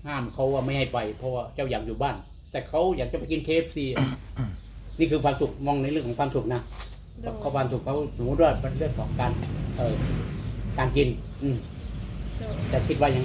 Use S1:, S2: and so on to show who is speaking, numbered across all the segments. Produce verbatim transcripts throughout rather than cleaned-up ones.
S1: ห้ามเขาว่าไม่ให้ไปเพราะว่าเจ้าอยากอยู่บ้าน แต่เขาอยากจะไปกิน เค เอฟ ซี นี่คือความสุขมองในเรื่องของความสุขนะเขาความสุขเขาสมมติว่าเป็นเรื่องของการเอ่อการกิน อืมจะคิดว่ายัง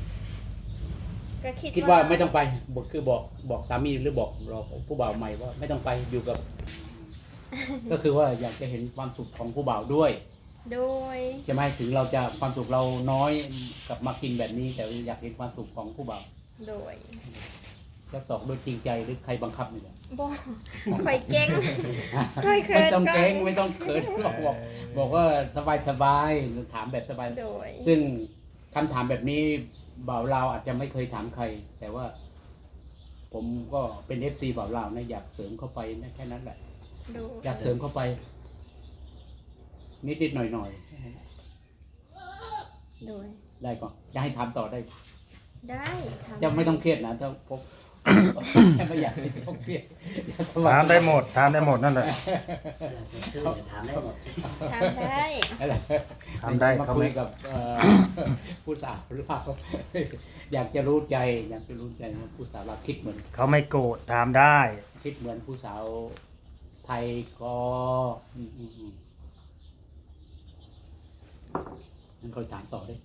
S1: คิดว่าไม่ต้องไปบอกคือบอกบอกสามีหรือบอกเราผู้บ่าวใหม่ว่าไม่ต้องไปอยู่กับ ก็คือว่าอยากจะเห็นความสุขของผู้บ่าวด้วยโดยจะไม่ถึงเราจะความสุขเราน้อยกับมากินแบบนี้ แต่อยากเห็นความสุขของผู้บ่าวโดยจะตอบด้วยจริงใจหรือใครบังคับเนี่ยบอกคอยเก่งคอยเขินไม่ต้องเก่งไม่ต้องเขินบอกบอกว่าสบายสบายถามแบบสบายโดยซึ่งคำถามแบบนี้บ่าวลาวอาจจะไม่เคยถามใคร แต่ว่า ผมก็เป็น เอฟ ซี บ่าวลาวนะอยากเสริมเข้าไปนะแค่นั้นแหละอยากเสริมเข้าไปนิดนิดหน่อยหน่อยโดยได้ก่อนจะให้ทำต่อได้ได้จะไม่ต้องเครียดนะถ้าผมแค่ไม่อยากให้ต้องเครียด
S2: ถามได้หมดถามได้หมดนั่นแหละ
S3: ถามได้หมด
S4: ถามได้
S2: ถามได้
S1: มาคุยกับผู้สาวหรือเปล่าอยากจะรู้ใจอยากจะรู้ใจว่าผู้สาวเราคิดเหมือน
S2: เขาไม่โกรธถามได้
S1: คิดเหมือนผู้สาวไทยก็นั่นเขาถามต่อได้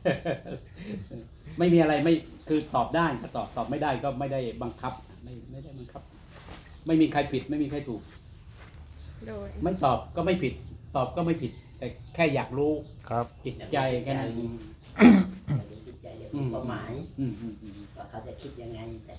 S1: ไม่มีอะไรไม่คือตอบได้ก็ตอบตอบไม่ได้ก็ไม่ได้บังคับไม่ไม่ได้บังคับ ไม่มีใครผิดไม่มีใครถูกโดยไม่ตอบก็ไม่ผิด ตอบก็ไม่ผิด แต่แค่อยากรู้
S2: ครับ
S1: จิตใจกัน
S3: จิตใจเป้าหมายว่าเขาจะคิดยังไงแต่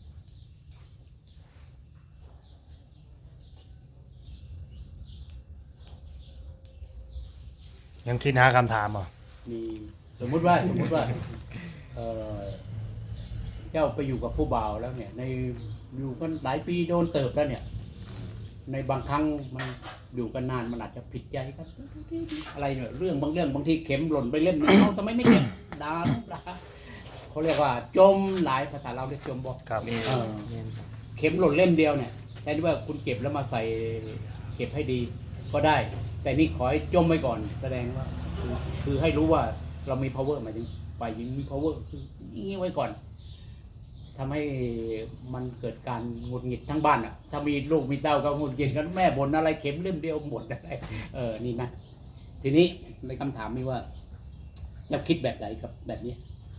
S2: ยังคิดหาคำถามอ่ะ
S1: มีสมมุติว่าสมมุติว่าเออเจ้าไปอยู่กับผู้บ่าวแล้วเนี่ยในอยู่กันหลายปีโดนเติบแล้วเนี่ยในบางครั้งมันอยู่กันนานมันอาจจะผิดใจกันอะไรเนี่ยเรื่องบางเรื่องบางทีเข็มหล่นไปเล่มนึงเขาทำไมไม่เก็บด่าด่าเขาเรียกว่าจมหลายภาษาเราเรียกจมบอกเข็มหล่นเล่มเดียวเนี่ยแต่ที่ว่าคุณเก็บแล้วมาใส่เก็บให้ดีก็ได้แต่นี่ขอให้จมไว้ก่อนแสดงว่าคือให้รู้ว่าเรามี power หมายถึงฝ่ายหญิงมี power คือนี่ไว้ก่อนทำให้มันเกิดการหงุดหงิดทั้งบ้านอ่ะถ้ามีลูกมีเต้าก็หงุดหงิดกันแม่บ่นอะไรเข็มเล่มเดียวหมดอะไรเออนี่นะทีนี้ในคำถามนี้ว่าจะคิดแบบไหนกับแบบนี้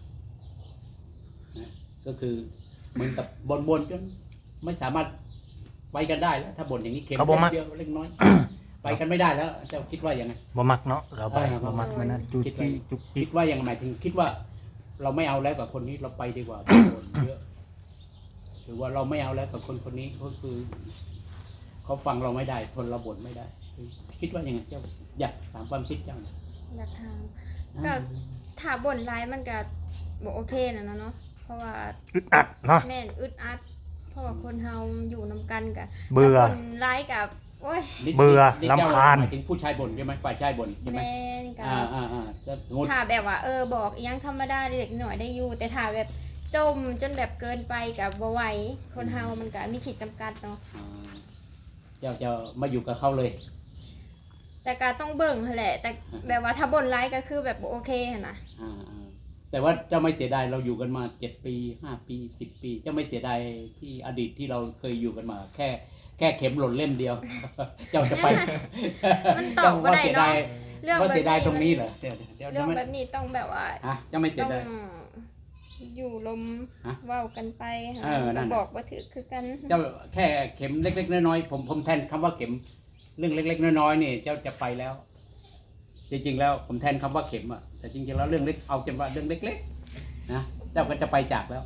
S1: นะก็คือเหมือนกับบ่นๆจนไม่สามารถไปกันได้แล้วถ้าบ่นอย่างนี้เข็มเล่มเดียวเล็กน้อยไปกันไม่ได้แล้วจะคิดว่ายังไง
S2: บ่มักเนาะสบายบ่มักมันนั่นจุจิจุจิ
S1: คิดว่ายังหมายถึงคิดว่าเราไม่เอาแล้วกับคนนี้เราไปดีกว่าเยอะหรือว่าเราไม่เอาแล้วกับคนคนนี้ก็คือเขาฟังเราไม่ได้ทนเราบ่นไม่ได้คิดว่ายังไงเจ้าอยากถามความคิดเจ้า
S4: อยากถามก็ถ้าบ่นร้ายมันก็บอกโอเคนะเนาะเพราะว่า
S2: อึดอัดเนาะ
S4: แม่นอึดอัดเพราะว่าคนเฮาอยู่นำกันกับ
S2: เบื่อ
S4: คนร้ายกับโอ้ย
S2: เบื่อรำคาญ
S1: ถึงผู้ชายบ่นใช่ไหมฝ่ายชายบ่นใช่ไหม
S4: แม่นกับ
S1: อ่าอ่าอ่า
S4: ถ้าแบบว่าเออบอกยังธรรมดาเล็กหน่อยได้อยู่แต่ถ้าแบบจมจนแบบเกินไปกับบ่ไหวคนเฮามันก็มีขีดจำกัดเนาะ
S1: เจ้าจะมาอยู่กับเขาเลย
S4: แต่การต้องเบิ่งแหละแต่แบบว่าถ้าบ่นร้ายก็คือแบบโอเคนะ
S1: อ่าแต่ว่าเจ้าไม่เสียดายเราอยู่กันมาเจ็ดปีห้าปีสิบปีเจ้าไม่เสียดายที่อดีตที่เราเคยอยู่กันมาแค่แค่เข็มหล่นเล่มเดียวเจ้าจะไป
S4: มันตอบว่าได้เนาะ
S1: เรื่องว่าเสียดายตรงนี้เหรอ
S4: เรื่องแบบนี้ต้องแบบว่า
S1: ฮะเจ้าไม่เสียดาย
S4: อยู่ลมเว้ากันไป
S1: แล้ว
S4: บอกว่าถือคือกัน
S1: เจ้าแค่เข็มเล็กๆน้อยๆผมผมแทนคำว่าเข็มเรื่องเล็กๆน้อยๆนี่เจ้าจะไปแล้วจริงๆแล้วผมแทนคำว่าเข็มอ่ะแต่จริงๆแล้วเรื่องเล็กเอาจำว่าเรื่องเล็กๆนะเจ้าก็จะไปจากแล้ว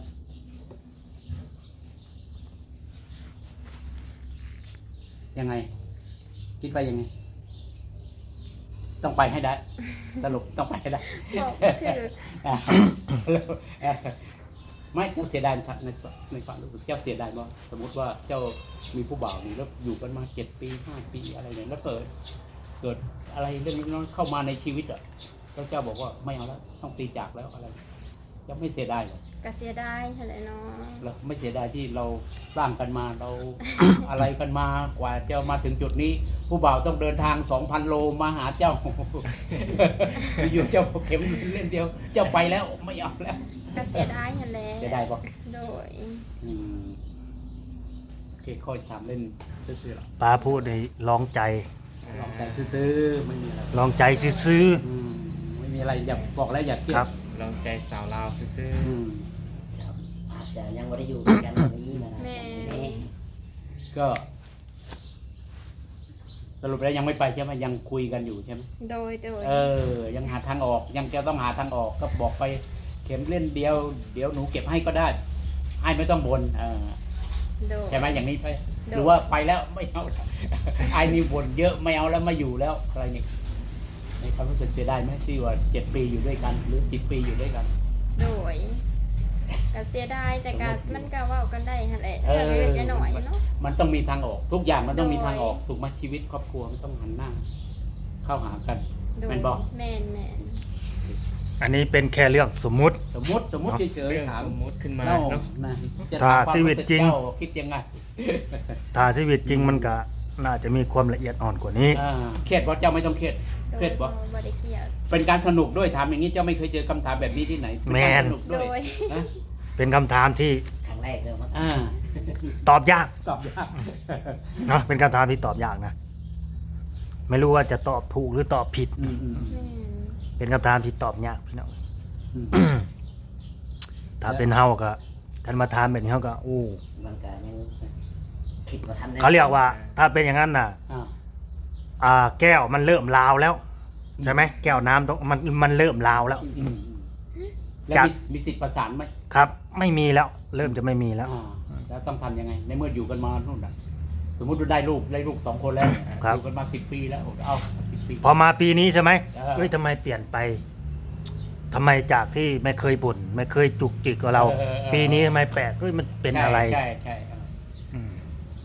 S1: ยังไงคิดว่ายังไงต้องไปให้ได้สรุปต้องไปให้ได้ไม่เจ้าเสียดายในในความรู้สึกเจ้าเสียดายว่าสมมติว่าเจ้ามีผู้บ่าวนี่แล้วอยู่กันมาเจ็ดปีห้าปีอะไรเนี่ยแล้วเกิดเกิดอะไรเรื่องนี้เข้ามาในชีวิตอ่ะแล้วเจ้าบอกว่าไม่เอาแล้วต้องตีจากแล้วอะไรจะไม่เสียดายหรอก
S4: ก็เสียดายนั่นแหละเนาะ
S1: เราไม่เสียดายที่เราสร้างกันมาเรา อะไรกันมากว่าจะมาถึงจุดนี้ ผู้บ่าวต้องเดินทางสองพันโลมาหาเจ้า อยู่เจ้าเข็มเล่นเดียว เจ้าไปแล้วไม่เอาแล้ว
S4: ก็เสียดายนั่นแหละ
S1: เสียดายปะ
S4: โดย
S1: อืมโอเคค่อยถามเล่นซื่อๆหรอก
S2: ป้าพูดในลองใจ
S1: ลองใจซื้อๆไม่มีอะไร
S2: ลองใจซื้อ
S1: อืมไม่มีอะไรอยากบอกแล้วอยากเครีย
S2: ครั
S1: ด
S2: บ
S5: ลองใจสาวลาวซื่อ
S1: อืม
S3: ครับอาจจะยังไม่ได้อยู่ด้วยกันแบบนี้นะนะ
S4: แม่
S1: ก็ สรุปแล้วยังไม่ไปใช่ไหมยังคุยกันอยู่ใช่ไหม
S4: โดยโดย
S1: เออ ยังหาทางออก ยังจะต้องหาทางออกก็บอกไปเข็มเล่นเดียว เดี๋ยวหนูเก็บให้ก็ได้ให้ไม่ต้องบนเออ
S4: โดย
S1: ใช่ไหมอย่างนี้ไป
S4: โดย
S1: หรือว่าไปแล้วไม่เอา ไอ้นี่บ่นเยอะไม่เอาแล้วไม่อยู่แล้วอะไรนี่ในความรู้สึกเสียดายไหมที่ว่าเจ็ดปีอยู่ด้วยกัน หรือสิบปีอยู่ด้วยกัน
S4: โดยก็เสียดายแต่ก็มันก็เว้ากันได้หั่นแหละ
S1: เออ
S4: เรื่องเล็กๆน้อยๆเนาะ
S1: มันต้องมีทางออก ทุกอย่างมันต้องมี
S4: โดย
S1: ทางออกถูกไหมชีวิตครอบครัวมันต้องหันหน้า เข้าหากัน
S4: โดย
S1: แม่นบอก
S4: แม่นแม่น
S2: ๆ อันนี้เป็นแค่เรื่องสมมุติ
S1: สมมติสมมติเฉ
S5: ๆ
S1: ย
S5: เรื่อง
S1: ๆถาม
S5: สมมุติขึ้นมา
S1: เล่า
S5: เนาะ
S1: นะจะ
S2: ถ้า
S1: ถามความ
S2: ชีวิต
S1: สึก
S2: จริง
S1: เจ้าคิดยังไง
S2: ถ้าชีวิตจริงมันก็น่าจะมีความละเอียดอ่อนกว่านี้
S1: อ่าเครียดเพราะเจ้าไม่ต้องเครียด
S4: โด
S1: เครี
S4: ย
S1: ยด
S4: บ่
S1: บ่
S4: บ่ได้เครียด
S1: เป็นการสนุกด้วยถามอย่างนี้เจ้าไม่เคยเจอคำถามแบบนี้ที่ไหนเป็น
S2: แม
S1: การ
S2: น
S1: สนุกด้วย
S4: โดย
S1: นะ
S2: เป็นคำถามที่
S3: ครั้งแรกเลยมั้ง
S1: อ่า
S2: ตอบยาก
S1: ตอบยาก
S2: เนาะเป็นคำถามที่ตอบยากนะ ไม่รู้ว่าจะตอบถูกหรือตอบผิด
S1: อืมอืม
S4: แม่น
S2: เป็นคำถามที่ตอบยากพี่น้อง
S1: อืม
S2: ถ้าเป็นเฮาก็ท่านมาถามแบบนี้เฮาก็อู้
S3: มันก็ยังคิดว่าทันได้
S2: เขาเรียกว่า ถ้าเป็นอย่างนั้นน่ะ
S1: อ่า
S2: อ่า แก้วมันเริ่มลาวแล้ว ใช่ไหมแก้วน้ำต้องมันมันเริ่มลาวแล้ว
S1: อืมอืมแล้ว
S2: จาก
S1: มีมีสิทธิ์ประสานไหม
S2: ครับ ไม่มีแล้ว เริ่มจะไม่มีแล้ว
S1: อ่าแล้วต้องทำยังไง ในเมื่ออยู่กันมานู่นน่ะ สมมุติว่าได้ลูกได้ลูกสองคนแล้ว
S2: ครับ
S1: อยู่กันมาสิบปีแล้วเอาสิบปี
S2: พอมาปีนี้ใช่ไหม
S1: เออ
S2: เฮ้ยทำไมเปลี่ยนไปทำไมจากที่ไม่เคยบ่นไม่เคยจุกจิกกับเรา
S1: ออออ
S2: ปีนี้ทำไมแปลกเฮ้ยมันเป็นอะไร
S1: ใช่ใช่ใช่
S2: อืม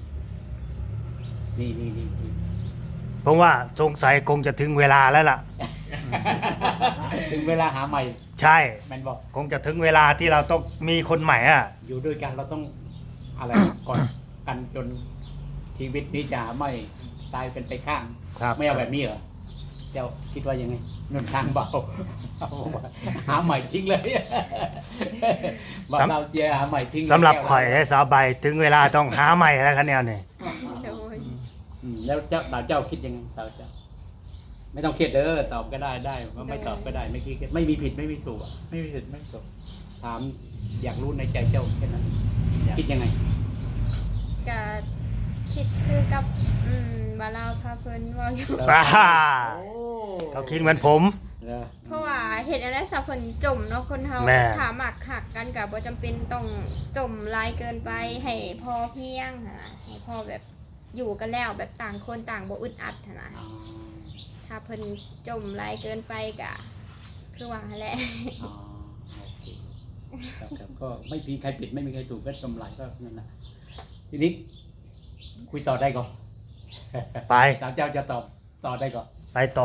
S1: นี่นี่นี่นี่
S2: เพราะว่าสงสัยคงจะถึงเวลาแล้วล่ะ
S1: ถึงเวลาหาใหม่
S2: ใช่
S1: แมนบอก
S2: คงจะถึงเวลาที่เราต้องมีคนใหม่อ่ะ
S1: อยู่ด้วยกันเราต้องอะไร ก่อนกันจนชีวิตนี้จะไม่ตายเป็นไปข้าง
S2: ครับ
S1: ไม่เอาแบบนี้เหรอเจ้าคิดว่ายังไงหนุนทางเบา เอาว่าหาใหม่ทิ้งเลย บอกเราเจียหาใหม่ทิ้งเลย
S2: สำหรับข่อยและสาวใบถึงเวลาต้องหาใหม่แล้วคะแนนนี่
S4: โดย
S1: อืมแล้วเจ้าสาวเจ้าคิดยังไงสาวเจ้า ไม่ต้องเครียดเด้อตอบก็ได้ได้ว่าไม่ตอบก็ได้ไม่คิดไม่มีผิดไม่มีถูกอะไม่มีผิดไม่มีถูกถามอยากรู้ในใจเจ้าแค่นั้นคิดยังไง
S4: ก็คิดคือกับอืมว่าเราพาเพิ่นเว้าอยู่
S2: อ่า
S1: โอ้
S2: เขาคิดเหมือนผม
S1: เหรอ
S4: เพราะว่าเห็นอะไรสับเพิ่นจมเนาะคนเฮา
S2: แม่
S4: ถามหมักหักกันก็บ่จำเป็นต้องจมหลายเกินไปให้พอเพียงหั่นน่ะให้พอแบบอยู่กันแล้วแบบต่างคนต่างบ่อึดอัดหั่นน่ะ
S1: อ๋อ
S4: ถ้าเพิ่นจมหลายเกินไปก็คือว่าหั่นแหละ
S1: อ๋อโอเคครับครับก็ไม่มีใครผิดไม่มีใครถูกก็กำไรก็นั่นแหละทีนี้คุยต่อได้ก่อน
S2: ไป
S1: สาวเจ้าจะตอบต่อได้ก่อน
S2: ไปต่อ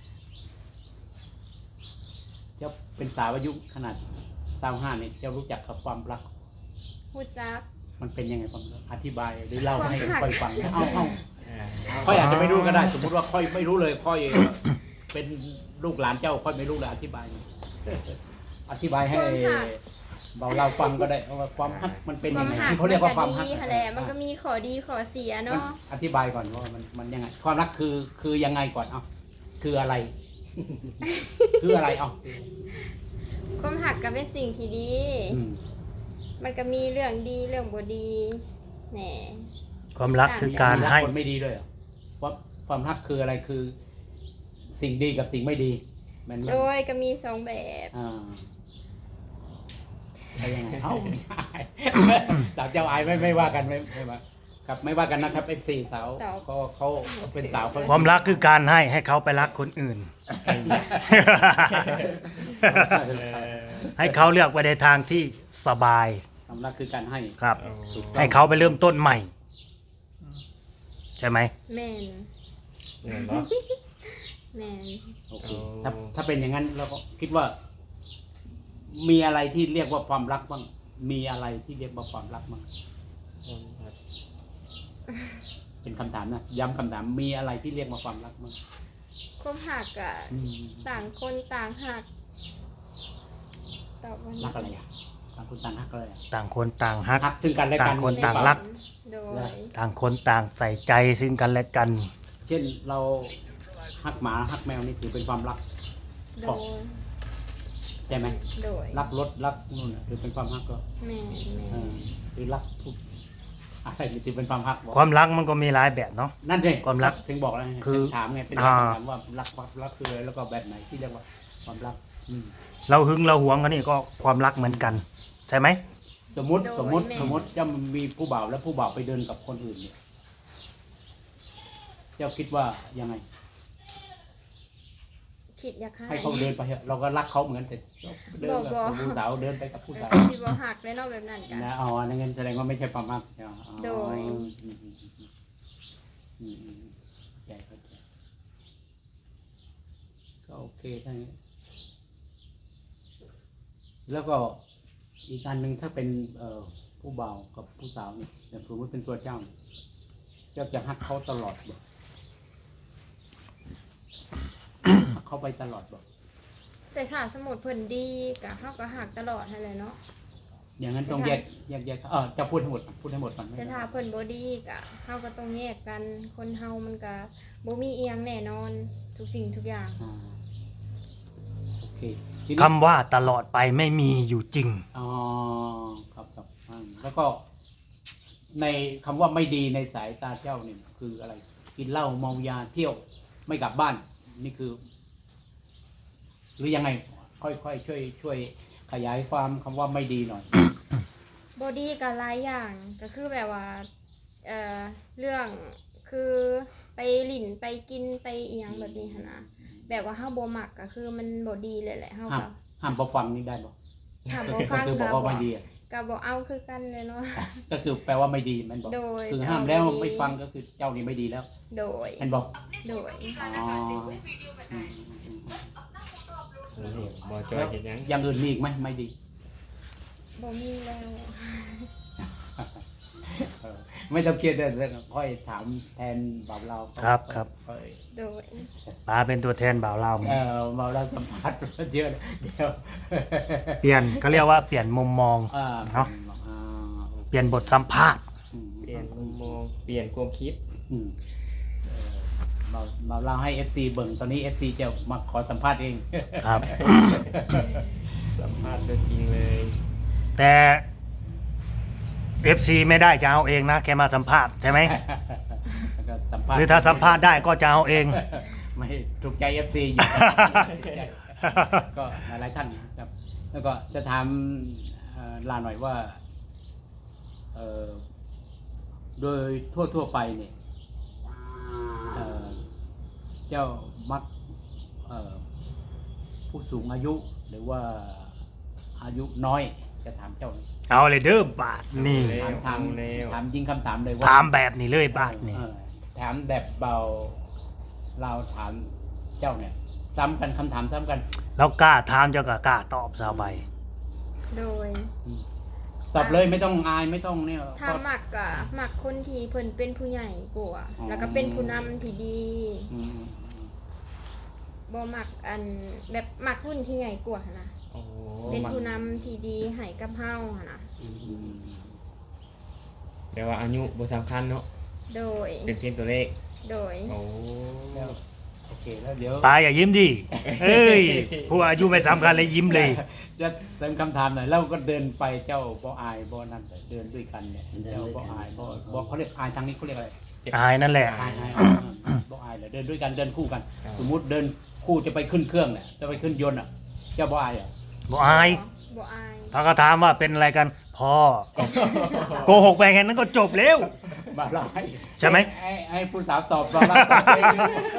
S1: เจ้าเป็นสาวอายุขนาดสาวห้าเนี่ยเจ้ารู้จักกับความรัก
S4: ฮู้จัก
S1: มันเป็นยังไงความรักอธิบายหรือเล่าให้
S4: ความรัก
S1: ค่อยฟังเอาเอา
S5: อ่า
S1: ค่อยอาจจะไม่รู้ก็ได้ สมมุติว่าค่อยไม่รู้เลยค่อย เป็นลูกหลานเจ้าค่อยไม่รู้เลยอธิบาย อธิบายให้เบาเราฟังก็ได้ว่าความฮักมันเป็น
S4: ค
S1: ยั
S4: วาม
S1: งไง
S4: หัก
S1: ที่เขาเรียกว่าความฮัก
S4: ดีหั่นแหละมันก็มีข้อดีข้อเสีย
S1: มัน
S4: เนาะ
S1: อธิบายก่อนว่ามันมันยังไง ความรักคือคือยังไงก่อนเอาคืออะไร คืออะไรเอา
S4: ความหักก็เป็นสิ่งที่ดี
S1: อืม
S4: มันก็มีเรื่องดีเรื่องบ่ดีแหน่
S2: ความรักคือการ
S1: มี
S2: ให้
S1: คนไม่ดีด้วยเหรอความความรักคืออะไรคือ สิ่งดีกับสิ่งไม่ดีมันมัน
S4: โดยก็มีสองแบบ
S1: อ่าไปยังไงเอ้าไม่ได้สาวเจ้าอายไม่ไม่ว่ากันไม่ไม่ว่าครับไม่ว่ากันนะครับเอฟซีสาวเขาเขาเป็นสาวเขา
S2: ความรักคือการให้ให้เขาไปรักคนอื่น ให้เขาเลือกไปในทางที่สบาย
S1: ความรักคือการให้
S2: ครับ
S5: เอา
S1: ถูกต้อง
S2: ให้เขาไปเริ่มต้นใหม่ ใช่ไหม
S4: แม่น
S5: เห็นปะ
S4: แม่น
S1: โอเค
S5: เอา
S1: ถ้าถ้าเป็นอย่างนั้นเราก็คิดว่ามีอะไรที่เรียกว่าความรักบ้างมีอะไรที่เรียกว่าความรักบ้างเป็นคำถามนะย้ำคำถามมีอะไรที่เรียกว่าความรักบ้าง
S4: ความหักอะ
S1: อืม
S4: ต่างคนต่างหักตอบว่า
S1: รักอะไรอ่ะต่างคนต่างรักอะไรอ่ะ
S2: ต่างคนต่างฮัก
S1: รักซึ่งกันและกัน
S2: ต่างคนต่างรัก
S4: โดย
S2: ต่างคนต่างใส่ใจซึ่งกันและกัน
S1: เช่นเรารักหมารักแมวนี่ถือเป็นความรัก
S4: โดย
S1: ใช่ไหม
S4: โดย
S1: รักรถรักนู่นน่ะถือเป็นความรักก็
S4: แม่แม่
S1: เออหรือรักทุกอะไรนี่ถือเป็นความรักบอก
S2: ความรักมันก็มีหลายแบบเนาะ
S1: นั่นเอง
S2: ความรัก
S1: ถึงบอกแล้วไง
S2: คือ
S1: ถามไงเป็น
S2: อ่า
S1: คำถามว่ารักความรักคืออะไรแล้วก็แบบไหนที่เรียกว่าความรักอืม
S2: เราหึงเราหวงกันนี่ก็ความรักเหมือนกัน ใช่ไหม
S1: สมมติสมมติสมมติจะมีผู้บ่าวแล้วผู้บ่าวไปเดินกับคนอื่นเนี่ยเจ้าคิดว่ายังไง
S4: คิดอยากให้
S1: ให้เขาเดินไปเถอะเราก็รักเขาเหมือนแต่เดินกับ
S4: บ่บ่
S1: ผู้สาวเดินไปกับผู้สาว
S4: สิบ่หักเลยเนาะแบบนั้นกัน
S1: นะอ๋อนั่นงั้นแสดงว่าไม่ใช่ความรักอ๋อ
S4: โดย
S1: อืมอืมอืมอืมอืมอืมใจเข้าใจก็โอเคทั้งนี้แล้วก็อีกอันหนึ่งถ้าเป็นเอ่อผู้บ่าวกับผู้สาวเนี่ยอย่างสมมติเป็นตัวเจ้าเนี่ยเจ้าจะฮักเขาตลอดบ่ ฮักเขาไปตลอดบ่
S4: แต่ถ้าสมมุติเพิ่นดีก็เฮาก็หักตลอดให้เลยเนาะ
S1: อย่างนั้นต้องแยกแยกแยกเออจะพูดทั้งหมดพูดทั้งหมดก่อน
S4: แต่ถ้าเพิ่นบ่ดีก็เฮาก็ต้องแยกกันคนเฮามันก็บ่มีเอียงแน่นอนทุกสิ่งทุกอย่าง
S1: อ่าโอเคทีนี้
S2: คำว่าตลอดไปไม่มีอยู่จริง
S1: อ๋อครับครับอ่าแล้วก็ในคำว่าไม่ดีในสายตาเจ้าเนี่ยคืออะไร กินเหล้าเมายาเที่ยวไม่กลับบ้าน นี่คือ หรือยังไง ค่อยๆช่วยช่วยขยายความคำว่าไม่ดีหน่อย
S4: บ่ดีก็หลายอย่างก็คือแบบว่าเอ่อเรื่องคือไปหลินไปกินไปอีหยังแบบนี้หั่นนะแบบว่าเฮาบ่มักก็คือมันบ่ดีเลยแหละเฮา
S1: ห้าม
S4: ก็
S1: ห้ามพอฟังนี่ได้บ่
S4: ถ้าบ่
S1: ก็
S4: ฟัง
S1: คือบอก
S4: ก็
S1: ว่า
S4: บ่
S1: ไม่ดีอะ
S4: ก็บ่เอาคือกันเลยเนาะ
S1: ก็คือแปลว่าไม่ดีมันบอก
S4: โดย
S1: คือห้ามแล้วไม่ฟังก็คือเจ้านี่ไม่ดีแล้ว
S4: โดย
S1: มันบอก
S4: โดย
S1: อ๋ออืมอืมอืม
S5: บอจอยเห็นยัง
S1: อย่างอื่นมีอีกไหมไม่ดี
S4: บ่มีแล้ว
S1: เออไม่ต้องเครียดเลยค่อยถามแทนบ่าวเรา
S2: ครับครับ
S1: ค่อย
S4: โดย
S2: ป้าเป็นตัวแทนบ่าวเรา
S1: เออบ่าวเราสัมภาษณ์เยอะเดี๋ยว
S2: เปลี่ยนเขาเรียกว่าเปลี่ยนมุมมอง
S1: อ่า
S2: เนาะ
S1: อ่า
S2: เปลี่ยนบทสัมภาษณ์
S1: อืม
S5: เปลี่ยนมุมมองเปลี่ยนความคิด
S1: อืมเออบ่าวบ่าวเราให้ เอฟ ซี เบิ่งตอนนี้ เอฟ ซี จะมาขอสัมภาษณ์เอง
S2: ครับ
S5: สัมภาษณ์ตัวจริงเลย
S2: แต่ เอฟ ซี ไม่ได้จะเอาเองนะแค่มาสัมภาษณ์ใช่ไหม
S1: แล้วก็สัมภาษณ์
S2: หรือถ้าสัมภาษณ์ได้ก็จะเอาเอง
S1: ไม่ถูกใจ เอฟ ซี อยู่ ก็หลายๆท่านนะครับ แล้วก็จะถามเอ่อลาหน่อยว่าเอ่อโดยทั่วๆไปเนี่ยเอ่อเจ้ามักเอ่อผู้สูงอายุหรือว่าอายุน้อยจะถามเจ้านี่
S2: เอาเลยเด้อบาทนี่
S1: ถามถาม
S5: เร็ว
S1: ถามยิงคำถามเลยว่า
S2: ถามแบบนี้เลยบาทนี่
S1: เออถามแบบเบาเราถามเจ้าเนี่ย ซ้ำกันคำถามซ้ำกัน
S2: แล้วกล้าถามเจ้าก็กล้าตอบสาวใบ
S4: โดย
S1: ตอบเลยไม่ต้องอายไม่ต้องเนี่ย
S4: ถ้ามักก็มักคนที่เพิ่นเป็นผู้ใหญ่กว่า
S1: อ๋อ
S4: แล้วก็เป็นผู้นำที่ดี
S1: อืม
S4: บ่มักอันแบบมักรุ่นที่ใหญ่กว่าหั่นนะ
S5: โอ้
S4: เป็นผู้นำที่ดีให้กับเฮาหั่นนะ
S1: อืมอืม
S5: แปลว่าอายุบ่สำคัญเนาะ
S4: โดย
S5: เป็นเพียงตัวเลข
S4: โดย
S5: โอ้
S1: แล้วโอเคแล้วเดี๋ยว
S2: ตาอย่ายิ้มดิเอ้ยผู้อายุไม่สำคัญเลยยิ้มเลย
S1: จะเสริมคำถามหน่อยแล้วก็เดินไปเจ้าบ่อายบ่นั่นเดินด้วยกันเนี่ยเจ้าบ่อายบ่บ่เขาเรียกอายทางนี้เขาเรียกอะไร
S2: อายนั่นแหละ
S1: อายอายบ่อายเลยเดินด้วยกันเดินคู่กัน สมมุติเดินคู่จะไปขึ้นเครื่องเนี่ยจะไปขึ้นยนต์อ่ะเจ้าบ่อายอ่ะ
S2: บ่อาย
S4: บ่อาย
S2: ถ้าก็ถามว่าเป็นอะไรกันพ่อโกหกไปแค่นั้นก็จบแล้ว
S1: บ่าวให้
S2: ใช่ไหม
S1: ให้ให้ผู้สาวตอบบ่าวเราตอบเอง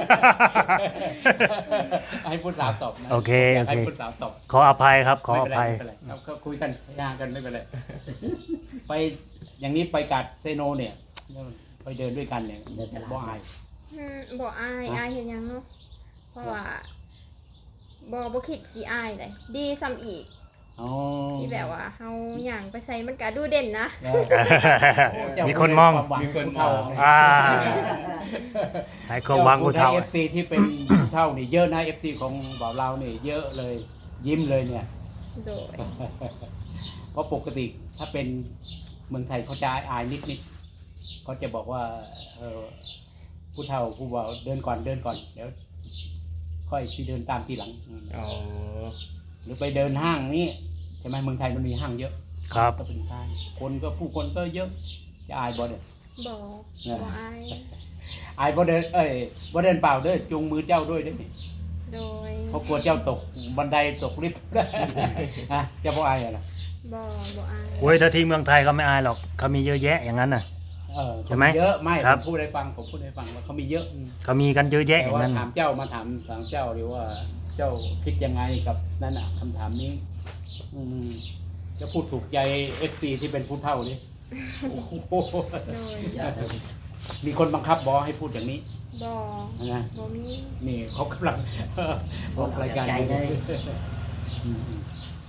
S1: ให้ผู้สาวตอบนะ
S2: โอเค
S1: ยา
S2: โอก
S1: ให้
S2: เค
S1: ผู้สาวตอบ
S2: ขออภัยครับ ขออภัย
S1: ไม่เป็นไรไม่เป็นไรครับก็คุยกันยากันไม่เป็นไร ไปอย่างนี้ไปกัดเซโนเนี่ย ไปเดินด้วยกันเนี่ยบ่อาย
S4: อืมบ่อายอายเฮ็ดหยังเนาะเพราะว่าบ่บ่คิดสิอายเลยดีซ้ำอีก
S1: อ๋อ
S4: ที่แบบว่าเฮาหย่างไปใส่มันก็ดูเด่นนะ
S1: เออ
S2: มีคนมอง
S1: มีคนเท่า
S2: อ่าให้ความหวังผู้เฒ่า
S1: เอฟซีที่เป็นผู้เท่านี่เยอะนะเอฟซีของบ่าวเรานี่เยอะเลยยิ้มเลยเนี่ย
S4: โดย
S1: เพราะปกติถ้าเป็นเมืองไทยเขาจะอายนิดนิดๆเขาจะบอกว่าเออผู้เฒ่าผู้บ่าวเดินก่อนเดินก่อนเดี๋ยวค่อยที่เดินตามทีหลังอืม
S5: อ๋อ
S1: หรือไปเดินห้างนี่ใช่ไหมเมืองไทยมันมีห้างเยอะ
S2: ครับ
S1: ก็เป็นห้างคนก็ผู้คนก็เยอะจะอายบ่เด้อ
S4: บอก
S1: เนี่ย
S4: บ่อาย
S1: อายบ่เดินเอ้ยบ่เดินเปล่าเด้อจูงมือเจ้าด้วยเด้อ
S4: โดย
S1: เพราะกลัวเจ้าตกบันไดตกลิฟต์ ฮะเจ้าบ่อายเหรอ
S4: บ่บ่อาย
S2: โอ้ยถ้าที่เมืองไทยเขาไม่อายหรอกเขามีเยอะแยะอย่างนั้นน่ะ
S1: เออ
S2: ใช่ไหม
S1: เยอะไม่
S2: ครั
S1: ผ
S2: บ
S1: มพูดให้ฟังผมพูดให้ฟังว่าเขามีเยอะอืม
S2: เขามีกันเยอะแยะอ
S1: แต่
S2: ย่าง
S1: ว่า
S2: นั้น
S1: ถามเจ้ามาถามถามเจ้าดีว่าเจ้าคิดยังไงกับนั่นอ่ะคำถามนี้ อืมจะพูดถูกใจเอฟซีที่เป็นผู้เฒ่าดิโอ้โห
S4: โดย
S3: อยากให้
S1: มีคนบังคับบอให้พูดอย่างนี้
S4: บ่
S1: นะ
S4: บ่มี
S1: นี่เขากำลัง ออกรายการ
S3: ใจเลย
S1: อืมอืม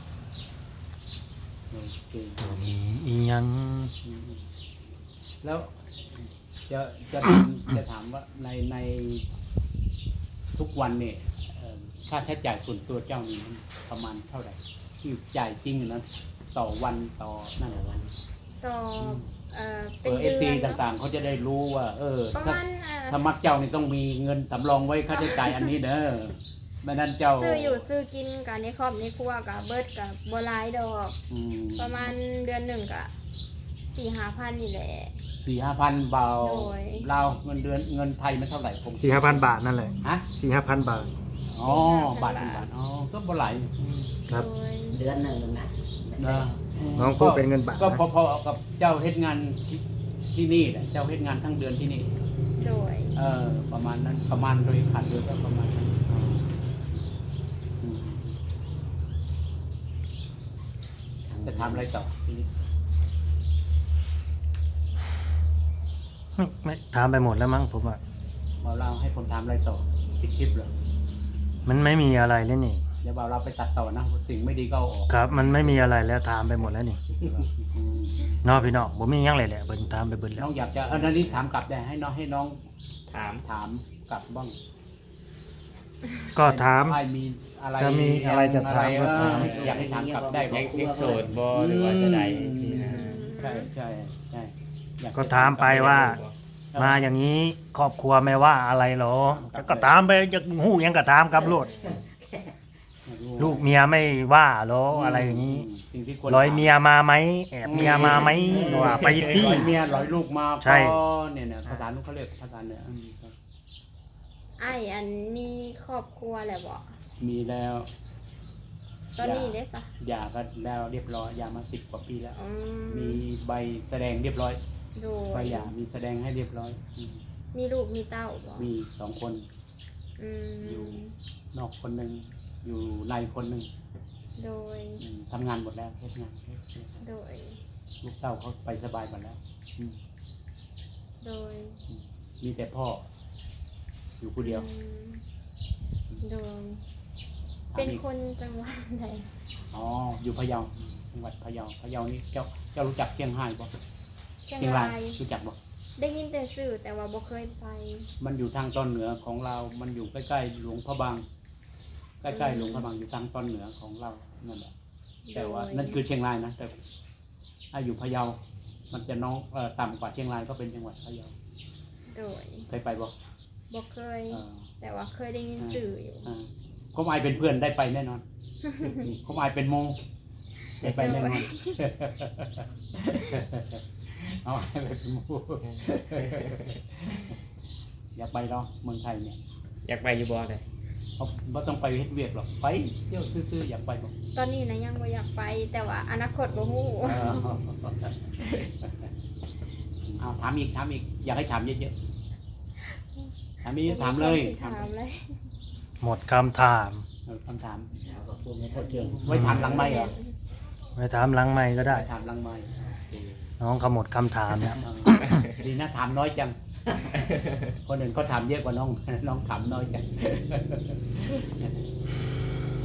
S1: โอเค
S2: มีอีหยัง
S1: อืมแล้วจะจะถามจะถามว่าในในทุกวันเนี่ยเอ่อค่าใช้จ่ายส่วนตัวเจ้านี่มันประมาณเท่าไหร่ที่จ่ายจริงนะต่อวันต่อนั่นน่ะวัน
S4: ต่อเอ่อ
S1: เอ
S4: เป็น
S1: อเอ
S4: เดื
S1: ฟซี
S4: อนเนอะ
S1: ต่างๆเขาจะได้รู้ว่า เออ
S4: ประ
S1: ถ้า
S4: มาณเอ่อ
S1: ถ้ามักเจ้านี่ต้องมีเงินสำรองไว้ค่าใช้จ่ายอันนี้เด้อไม่นั้นเจ้า
S4: ซื้ออยู่ซื้อกินกับในครอบในครัวกับเบิดกับบ่หลายดอก
S1: อืม
S4: ประมาณเดือนหนึ่งก็สี่ห้าพันนี่แหละ
S1: สี่ห้าพันเบา
S4: โดย
S1: เราเงินเดือนเงินไทยมันเท่าไหร่ผม
S2: สี่ห้าพันบาทนั่นแหละ
S1: ฮะ
S2: สี่ห้าพันบาท
S1: อ๋อ บาทเป็นบาท อ๋อ ก็บ่ไหลาย
S2: ครับ
S4: โดย
S3: เดือนหนึ่งนะ
S1: นะ
S2: น้องพูดเป็นเงินบาท
S1: ก็
S2: นะ
S1: พอๆกับเจ้าเฮ็ดงานที่ที่นี่แหละเจ้าเฮ็ดงานทั้งเดือนที่นี่
S4: โดย
S1: เออ ประมาณนั้น ประมาณโดยขาดเดือนก็ประมาณนั้นอ๋ออืมจะทำอะไรต่อทีนี้
S2: ไม่ถามไปหมดแล้วมั้งผมว่า
S1: บ่าวเราให้ผมทำอะไรต่อปิดคลิปเหรอ
S2: มันไม่มีอะไรแล้วนี่
S1: เดี๋ยวบ่าวเราไปตัดต่อนะสิ่งไม่ดีก็เอาออก
S2: ครับ มันไม่มีอะไรแล้วถามไปหมดแล้วนี่
S1: อืม
S2: เนาะพี่น้องผมมีหยังเลยแหละเบิ่งถามไปเบิ่งแล้
S1: น้
S2: ว
S1: องอยากจะเออนันนี้ถามกลับได้ให้น้องให้น้อง
S5: ถาม
S1: ถามกลับบ้าง
S2: ก็ถาม
S1: ให้มีอะไร
S2: จะมีอะไรจะถาม
S1: อะไร
S2: ก็ถาม
S1: เอออยากให้ถามกลับได้
S5: ยั
S1: บ่
S5: งยังโสดบ่หรือว่าจะได้สินะ
S1: ใช่ใช่ใช่อย
S2: ก็ถามไปว่า มาอย่างนี้ครอบครัวไม่ว่าอะไรหรอก็ตามไปจะหู้หยังก็ตามกับโลดลูกเมียไม่ว่าหรออะไรอย่างนี้
S1: สิ่งที่ควร
S2: ร้อยเมียมาไหมแอบเมียมาไหมว่าไปที่
S1: ร้อยเมียร้อยลูกมา
S2: ใช่
S1: ก็เนี่ยเนี่ยภาษาลูกเขาเรียกภาษาเนี่ยอืม
S4: ไอ้อันมีครอบครัวแหละบ่
S1: มีแล้ว
S4: ตอนนี้เด้ซะ
S1: หย่ากันแล้วเรียบร้อยหย่ามาสิบกว่าปีแล้ว
S4: อื
S1: มี
S4: ม
S1: ใบแสดงเรียบร้อย
S4: โด
S1: ใบ
S4: ย
S1: หย่ามีแสดงให้เรียบร้อยอืม
S4: มีลูกมีเต้าบ่
S1: มีสองคน
S4: อื
S1: อยู่
S4: ม
S1: นอกคนหนึ่งอยู่ในคนหนึ่ง
S4: โดย
S1: อืมทำงานหมดแล้วทำงาน
S4: โดย
S1: ลูกเต้าเขาไปสบายหมดแล้วอืม
S4: โดย
S1: มีแต่พ่อ อยู่คนเดียว
S4: อืมโดย
S1: ถาม
S4: เป็น
S1: อีก
S4: คนจังหวัดใด
S1: อ๋ออยู่พะเยาจังหวัดพะเยาพะเยานี่เจ้าเจ้ารู้จักเชียงรายบ่
S4: เชียง
S1: เชียงราร
S4: าย ย
S1: รู้จักบ่
S4: ได้ยินแต่สื่อแต่ว่าบ่เคยไป
S1: มันอยู่ทางตอนเหนือของเรา มันอยู่ใกล้ๆหลวงพระบาง ใกล้ๆหลวงพระบางอยู่ทางตอนเหนือของเรานั่นแหละแต่ว่านั่นคือเชียงรายนะแต่ถ้าอยู่พะเยา มันจะน้องเอ่อต่ำกว่าเชียงรายก็เป็นจังหวัดพะเยา
S4: โดย
S1: เคยไปบ่
S4: บ่เคย
S1: เออ
S4: แต่ว่าเคยได้ยินสื่ออยู่
S1: อ่าเขาอายเป็นเพื่อนได้ไปแน่นอน เขาอายเป็นโมได้ไปแน่นอน เอาให้ไปเป็นโมอยากไปเนาะเมืองไทยเนี่ย
S5: อยากไปอยู่บ่ได้
S1: เขาไม่ต้องไปเฮ็ดเวียกหรอกไปเที่ยวซื่อๆอยากไปบ่
S4: ตอนนี้นะยังบ่อยากไป แต่ว่าอนาคตบ่ฮู้
S1: เออเอาถามอีกถามอีกอยากให้ถามเยอะๆถามอีกถามเลย
S4: ถามเลย
S2: หมดคำถาม
S1: เออคำถาม
S3: สาวก็พูดไม่ค่อยเก่ง
S1: ไว้ถามหลังไมค์เหรอ
S2: ไปถามหลังไม่ก็ได้
S1: ไว้ถามหลังไมค์โอเค
S2: น้องเขาหมดคำถามแล้ว
S1: เออดีนะถามน้อยจัง คนอื่นเขาถามเยอะกว่าน้อง น้องถามน้อยจัง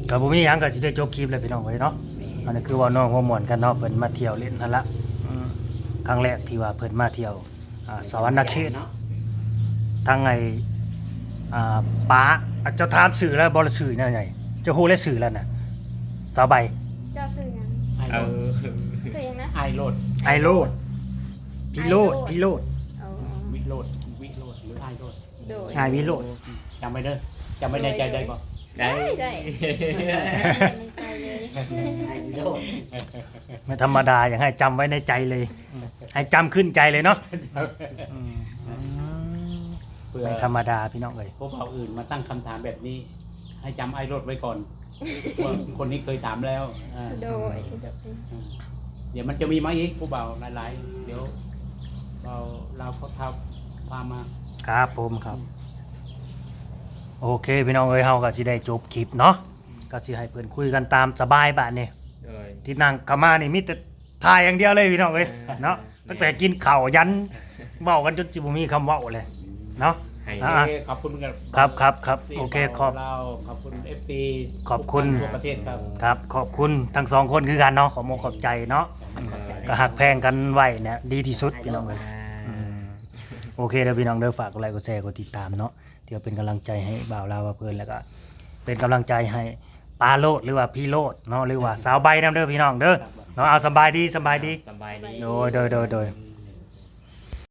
S2: ก็บ่มีหยังก็สิได้จบคลิปแล้วพี่น้องเอ้ยเนาะอันนี้คือว่าน้องหัวหมวนกันเนาะเพิ่นมาเที่ยวเล่นนั่นละอืมครั้งแรกที่ว่าเพิ่นมาเที่ยวอ่าสวรรณเขต
S3: เนาะ
S2: ทางไงอ่าป้าอ่ะเจ้าถามสื่อแล้วบ่ละสื่อแนวใหญ่เจ้าฮู้และสื่อแล้วน่ะสาวใบ
S4: เจ้าสื่อหยัง
S1: ไอ
S5: เอ
S1: โรด
S5: อ
S4: สื่อหยังนะ
S1: ไอโรด
S2: ไอโลดพี่โลดพี่โลด
S4: เอา
S1: วิโรดวิโรดหรือไอโรด
S4: โดย
S2: ไอวิโลด
S1: จำไว้เด้อจำไว้ในใจได้บ่
S5: ได้
S4: ได้ในใจเลย
S3: ไอ้โลด
S2: ไม่ธรรมดาอย่างให้จำไว้ในใจเลยให้จำขึ้นใจเลยเนาะอืม
S1: เพื่อ
S2: ไม่ธรรมดาพี่น้องเอ้ย
S1: พวกเราอื่นมาตั้งคำถามแบบนี้ ให้จำไอโรดไว้ก่อนว่าคนนี้เคยถามแล้วอ่า
S4: โดยโดย
S1: เดี๋ยวมันจะมีมาอีกผู้เบาหลายๆเดี๋ยวเราเราเขาทำพามา
S2: ครับผมครับ โอเคพี่น้องเอ้ยเฮาก็สิได้จบคลิปเนาะก็สิให้เพิ่นคุยกันตามสบายบัดนี้
S5: โดย
S2: ที่นั่งเข้ามานี่มีแต่ถ่ายอย่างเดียวเลยพี่น้องเอ้ยเนาะตั้งแต่กินข้าวยันเว้ากันจนสิบ่มีคำเว้าเลยเนาะ
S5: ให้
S2: อ่ะ
S1: โอเคขอบคุณกัน
S2: ครับครับครับโอเคขอบ
S1: เราขอบคุณ เอฟ ซี
S2: ขอบคุณ
S1: ทั่วประเทศครับ
S2: ครับขอบคุณทั้งสองคนคือกันเนาะขอมขอบใจเนาะก็หักแพงกันไว้เนี่ยดีที่สุดพี่น้องเอ้ยอืมโอเคเด้อพี่น้องเด้อฝากกดไลค์กดแชร์กดติดตามเนาะเดี๋ยวเป็นกำลังใจให้บ่าวลาวว่าเพิ่นแล้วก็เป็นกำลังใจให้ปาโลดหรือว่าพี่โลดเนาะหรือว่าสาวใบนํเด้อพี่น้องเด้อเนาะเอาสบายดีสบายดี
S5: สบายดี
S2: โดยโดยโดยโดย
S5: อื